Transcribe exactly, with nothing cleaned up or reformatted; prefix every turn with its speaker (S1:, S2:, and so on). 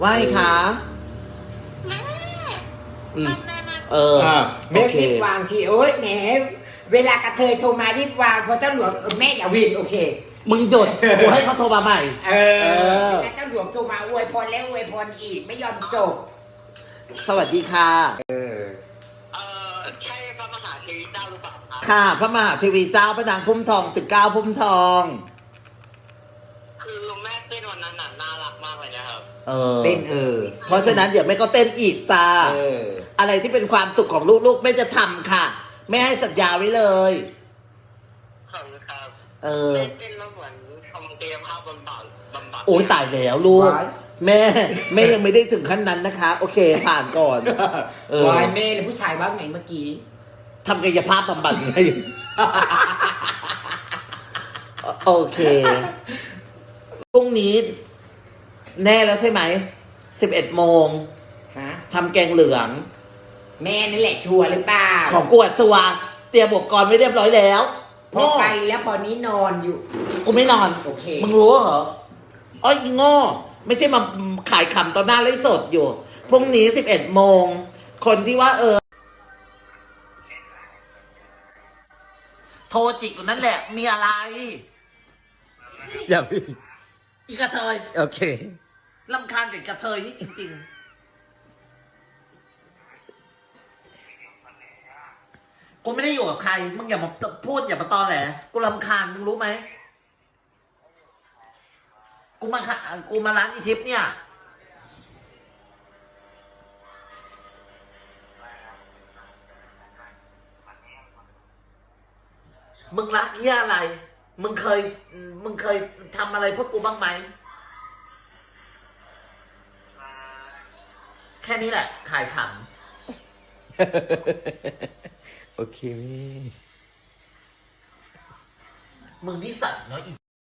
S1: ว่าไงคะอืมเออ
S2: แม่รีบวางทีโอ๊ยแหมเวลากระเทยโทรมารีบวางพอเจ้าหลวงเออแม่อย่าวินโอเค
S1: มึงหยุดกูให้เขาโทรมาใหม่
S2: เอ
S1: เอ
S2: อ
S1: อ
S2: แล้วเจ้าหลวงโทรมาอวยพรแล้วอวยพรอีกไม่ยอมจบ
S1: สวัสดีค่ะ
S2: เออ
S3: เอ่อใช่พระมหาเทวีเจ้าหรือเปล่าครับ
S1: ค่ะ พระมหาเทวีเจ้าพระนางพุ่มทองสิบเก้าพุ่มทอง
S3: คือแม่เต้นวันนั้นน่ะน่ารักมากเลยนะครับ
S1: เออ
S2: เต้นเออ
S1: เพราะฉะนั้นเดี๋ยวแม่ก็เต้นอีกจ้า
S2: เออ
S1: อะไรที่เป็นความสุขของลูกๆแม่จะทำค่ะแม่ให้สัญญาไว้เลย
S3: ขอบคุณครับ
S1: เออ
S3: แม่เต้นแล้วเหมือนทำกายภาพบำบัดบำบัด
S1: โอ้ยตายแล้วลูก
S2: ว้าย
S1: แม่แม่ยังไม่ได้ถึงขั้นนั้นนะคะ โอเค ผ่านก่อน เออ
S2: วายแม่เลยผู้ชายว่าไงเมื่อกี้
S1: ทำกายภาพบำบัดไง โอเค พรุ่งนี้ แน่แล้วใช่ไหม สิบเอ็ดโมง
S2: ฮะ
S1: ทำแกงเหลือง
S2: แม่นั่นแหละชัวร์หรือเปล่า
S1: ของกวดชัวร์เตรียมอุปกรณ์ไว้เรียบร้อยแล้ว
S2: พอไปแล้วพอนี้นอนอยู่
S1: กูไม่นอน
S2: โอเค
S1: มึงรู้เหรออ้อยโง่ไม่ใช่มาขายขำตอนหน้าไลฟ์สดอยู่ พรุ่งนี้สิบเอ็ดโมง คนที่ว่าเออ โทรจิกอยู่นั่นแหละ มีอะไร
S4: อย่า
S1: อีกระเทย
S4: โอเค
S1: ลำคาญกับกระเทยนี่จริงๆ กูไม่ได้อยู่กับใคร มึงอย่ามาพูดอย่ามาตอแหล กูลำคาญมึงรู้ไหม กูมาค่ะกูมาร้านอีทิปเนี่ย มึงรักเหี้ยอะไร มึงเคย มึงเคยทำอะไรพวกกูบ้างไหม แค่นี้แหละ ขายข
S4: โอเค
S1: ำมึงนิสัยเนาะอี